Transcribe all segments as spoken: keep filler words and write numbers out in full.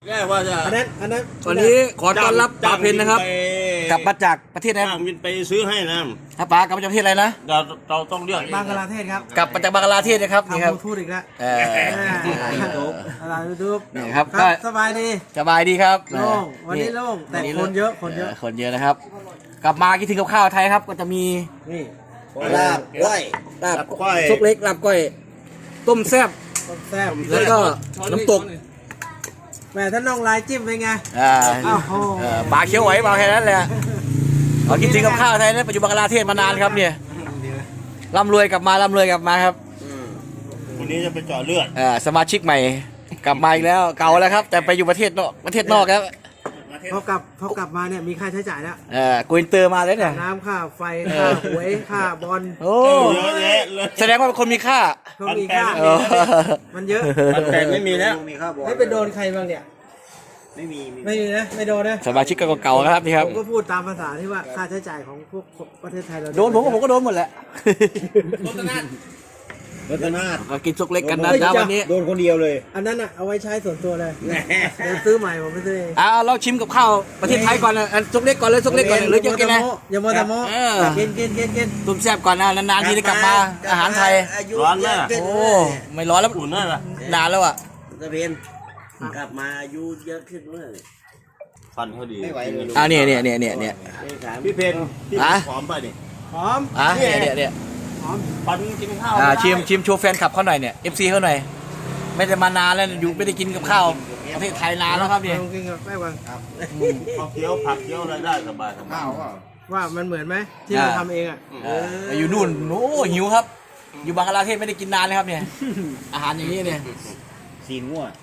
แค่ว่าจะอันนั้นอันนั้นวันนี้ขอต้อนรับป๋าเพนนะครับกลับมาจากประเทศไหนจ้างวินไปซื้อให้นะครับป๋ากลับมาจากประเทศอะไรนะเราเราต้องเลือกบังกลาเทศครับกลับมาจากบังกลาเทศนะครับนี่ทำครับยูทูบอีกแล้วเออยูทูบอะไรยูทูบนี่ครับคก็รับสบายดีสบายดีครับโล่งวันนี้โล่งแต่คนเยอะคนเยอะคนเยอะนะครับ กลับมาคิดถึงกับข้าวไทยครับก็จะมีนี่ลาบก้อยลาบก้อยซุปเล็กลาบก้อยต้มแซ่บต้มแซ่บแล้วก็น้ำตกแหมถ้าน้องลายจิ้มเป็นไงอ่าอ้าวโหเออปลาเขียวไหวปลาแค่นั้นแหละเราคิดถึงกับข้าวไทยนะปัจจุบันบังกลาเทศมานานครับเนี่ยร่ำรวยกลับมาร่ำรวยกลับมาครับวันนี้จะไปเจาะเลือดเออสมาชิกใหม่กลับมาอีกแล้วเก่าแล้วครับ แต่ไปอยู่ประเทศนอกประเทศนอกครับพอกลับพอกลับมาเนี่ยมีค่าใช้จ่ายแล้วเออกูอินเตอร์มาเลยเนี่ยน้ำค่าไฟค่าหวยค่าบอลโอ้เยอะแยะเลยแสดงว่าเป็นคนมีค่าเขามีค่าเออมันเยอะปันแปดไม่มีแล้วให้ไปโดนใครบ้างเนี่ยไม่มีไม่มีนะไม่โดนนะสมาชิกก็เก่าๆนะครับนี่ครับผมก็พูดตามภาษาที่ว่าค่าใช้จ่ายของพวกประเทศไทยเราโดนผมก็ผมก็โดนหมดแหละรถนาดรถนาดก็กินซุกเล็กกันนะจ้าวันนี้โดนคนเดียวเลยอันนั้นอ่ะเอาไว้ใช้ส่วนตัวเลยเดี๋ยวซื้อใหม่ผมไม่ซื้อเองเอาเราชิมกับข้าวประเทศไทยก่อนนะอันซุกเล็กก่อนเลยซุกเล็กก่อนหรือจะกินอะไรอย่ามัวแต่โม้เออกินกินกินกินต้มแซ่บก่อนนะนานๆทีได้กลับมาอาหารไทยร้อนไหมล่ะโอ้ไม่ร้อนแล้วอุ่นนั่นล่ะนานแล้วอ่ะตะเพียนกลับมาอายุเยอะขึ้นเมื่อฟันเขาดีอ่าเนี่ยเนี่ยเนี่ยเนี่ยเนี่ยไม่ถามพี่เพนพี่ฮะหอมไปดิหอมอ่ะเนี่ยเนี่ยเนี่ยหอมปันกินข้าวอ่าชิมชิมโชว์แฟนคลับเขาหน่อยเนี่ย เอฟ ซี เขาหน่อยไม่ได้มานานแล้วอยู่ไม่ได้กินกับข้าวประเทศไทยนานแล้วครับเนี่ยลองกินกับแป้งก่อนข้าวเคี้ยวผักเคี้ยวอะไรได้สบายสบายว่ามันเหมือนไหมที่เราทำเองอ่ะเอออยู่นู่นโอ้หิวครับ อยู่บังกลาเทศไม่ได้กินนานเลยครับเนี่ย อาหารอย่างนี้เนี่ยสีงัว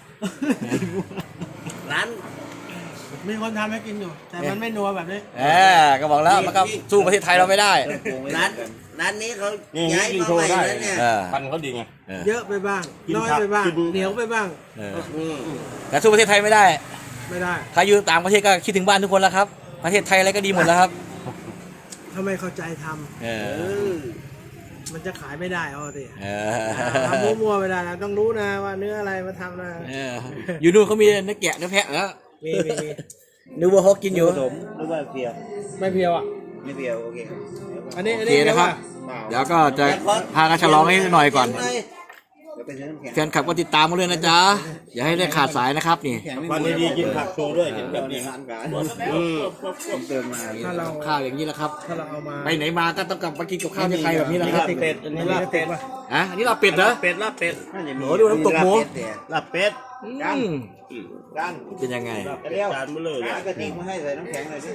ร้านมีคนทำให้กินอยู่ แต่มันไม่นัวแบบนี้เออก็บอกแล้วมันก็สู้ประเทศไทยเราไม่ได้ร้านร้านนี้เขานี่ย้ายกินมาโชใหม่ว์ได้แล้วเนี่ยเออปันเขาดีไงเออเยอะไปบ้างกินน้อยผักไปบ้างกินเหนียวไปบ้างเอออืมแต่สู้ประเทศไทยไม่ได้ไม่ได้ใครอยู่ต่างประเทศก็คิดถึงบ้านทุกคนแล้วครับ ประเทศไทยอะไรก็ดีหมดแล้วครับถ้าไม่เข้าใจทำเอเอออมันจะขายไม่ได้เอาสิเอทำมั่วๆไม่ได้นะต้องรู้นะว่าเนื้ออะไรมาทำนะออยู่นู่นเขามีเนื้อแกะเนื้อแพะแล้วมีมีมีนึกว่าเขากินอยู่ผสมหรือว่าเพียวไม่เพียวอ่ะไม่เพียวโอเคอันนี้โออันเคนี้นะครับ เดี๋ยวก็จะพากันฉลองให้หน่อยก่อนเดี๋ยวไปซื้อน้ำแข็งแฟนคลับก็ติดตามมาเลยนะจ๊ะ อย่าให้ได้ขาดสายนะครับนี่ปันดีๆกินผักโชว์ด้วยเห็นแบบนี้ร้านการอืมเติมมาถ้าเราข้าวอย่างนี้แหละครับถ้าเราเอามาไปไหนมาก็ต้องกลับมากินกับข้าวที่ไทยแบบนี้แหละครับเป็ดอันนี้ลาบเป็ดอ่ะอันนี้เราเป็ดเหรอเป็ดลาบเป็ดโหดูน้ำตกหมูลาบเป็ดอืมร้านเป็นยังไงลาบเป็ดจานเบลอเลยกระติกมาให้ใส่น้ำแข็งเลยสิ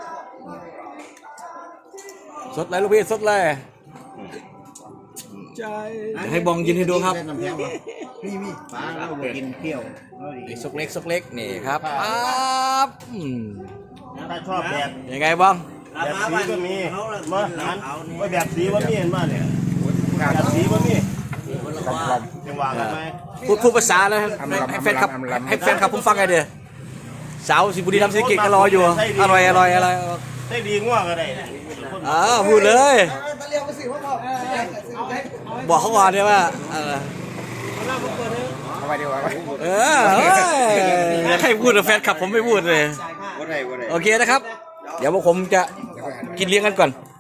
สดเลยลูกพี่สดเลยใจเดี๋ยวให้บองกินให้ดูครับน้ำแข็งเหรอมีมีป้าเราบอกกินเปรี้ยวไอ้ซกเล็กซกเล็กนี่ครับปั๊บอืมถ้าชอบแบบยังไงบ้างแบบสีก็มีมาหันว่าแบบสีว่ามีเห็นบ้านเนี่ยแบบสีว่ามีจังหวะกันไหมพูดพูดภาษาแล้วให้ให้แฟนคลับให้แฟนคลับผมฟังไงเด้อสาวสิบุรีรัมย์ศรีสะเกษก็รออยู่อร่อยอร่อยอะไรได้ดีง่วงก็ได้อ้าวพูดเลยบอกเขาก่อนเนี่ยว่าเออเออเฮ้ยอยากให้พูดแต่แฟนคลับผมไม่พูดเลยว่าไรว่าไรโอเคนะครับ เดี๋ยวพวกผมจะกินเลี้ยงกันก่อน